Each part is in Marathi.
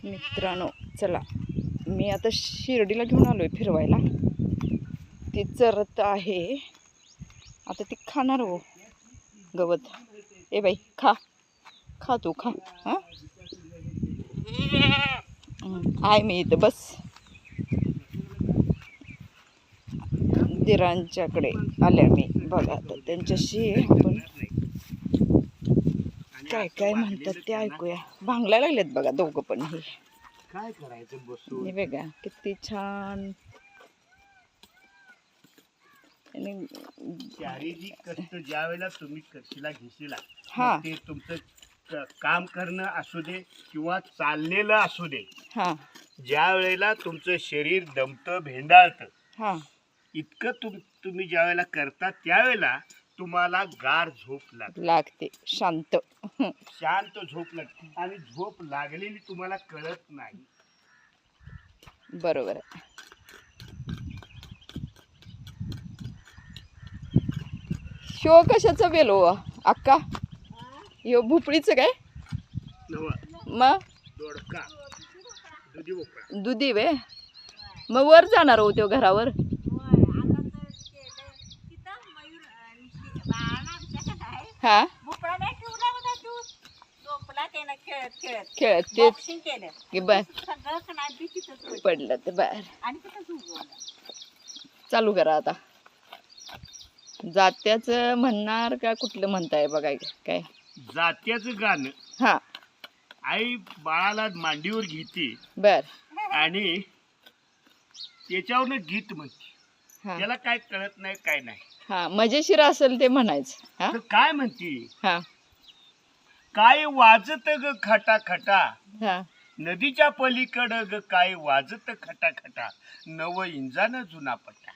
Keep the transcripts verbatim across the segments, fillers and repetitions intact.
मित्रांनो चला, मी आता शिर्डीला घेऊन आलोय फिरवायला. ती चरत आहे आता, ती खाणार हो गवत. ए बाई खा खा तू खा. हां आहे मी इथं, बस. दिरांच्याकडे आल्या मी बघा. आता त्यांच्याशी आपण काय काय म्हणतात ते ऐकूया. भांगलायला लागलेत बघा दोघं पण. हे काय करायचं बसून? हे बघा किती छान. शारीरिक कष्ट ज्या वेळेला तुम्ही कशीला घेशीला, हा. ते तुमचं क- काम करणं असू दे किंवा चाललेलं असू दे, हा ज्या वेळेला तुमचं शरीर दमतं भेंडाळतं, हा इतकं तुम तुम्ही ज्या वेळेला करता त्यावेळेला तुम्हाला गार झोप लागते, लागते, शांत. शांत झोप लागते. आणि झोप लागलेली तुम्हाला कळत नाही. बरोबर आहे. शो कशाचं बेल हो अक्का? यो भोपळीचं काय नव मग? दोडका दुधी भोपळा. दुधी वे. मग वर जाणार हो त्यो घरावर? हा खेळत ते की बर पडलं तर बर. चालू करा आता. जात्याच म्हणणार का कुठलं म्हणताय बघाय काय? जात्याचं गाणं. हा आई बाळाला मांडीवर घेते बर. आणि त्याच्यावरनं गीत म्हणते. हा त्याला काय कळत नाही, काय नाही. हा मजेशीर असेल ते म्हणायचं. हा तर काय म्हणते? हा काय वाजत ग खटा खटा, हा नदीच्या पलीकडं ग काय वाजत खटा खटा, नव इंजान जुना पट्टा.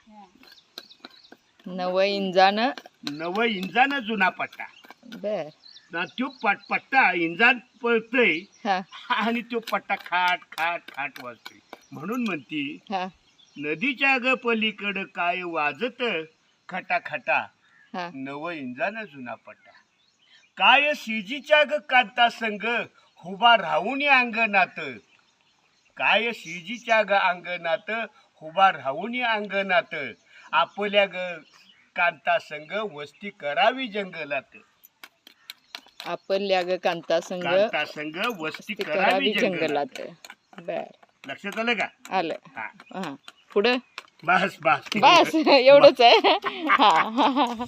नव इंजान नव इंजान जुना पट्टा. बर. ना त्यो पट पट्टा इंजान पळतय हा आणि तो पट्टा खाट खाट खाट वाजतोय. म्हणून म्हणती हा नदीच्या ग पलीकडं काय वाजत खटा खटा, हा नव इंजान जुना पट्टा. काय शिजीच्या ग कांता संग हुबा राहून अंगणात, काय शिजीच्या ग अंगणात हुबा राहून अंगणात, आपल्या ग कांता संग वस्ती करावी जंगलात. आपल्या ग कांता संग कांता संग वस्ती करावी करावी जंगलात. जंगलात. बर. लक्षात आलं का? आलं. हा. हा पुढं बस बस बस एवढंच आहे. हा हा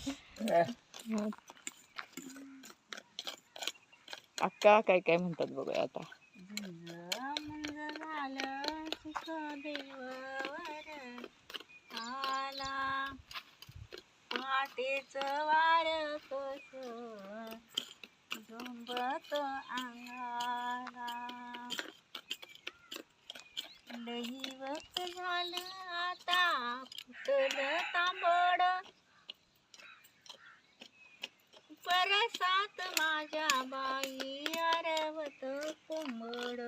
अक्का काय काय म्हणतात बघूया आता. पहाटेच वार कस झुंबत अंगाला, लई वक्त झालं आता फुटलं तांबड, परसात माझ्या बाई आरवत कोंबड.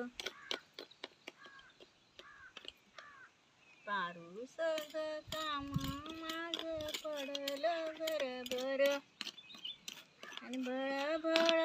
पारूस ग काम माझ पडलं घरभर, आणि भळभळ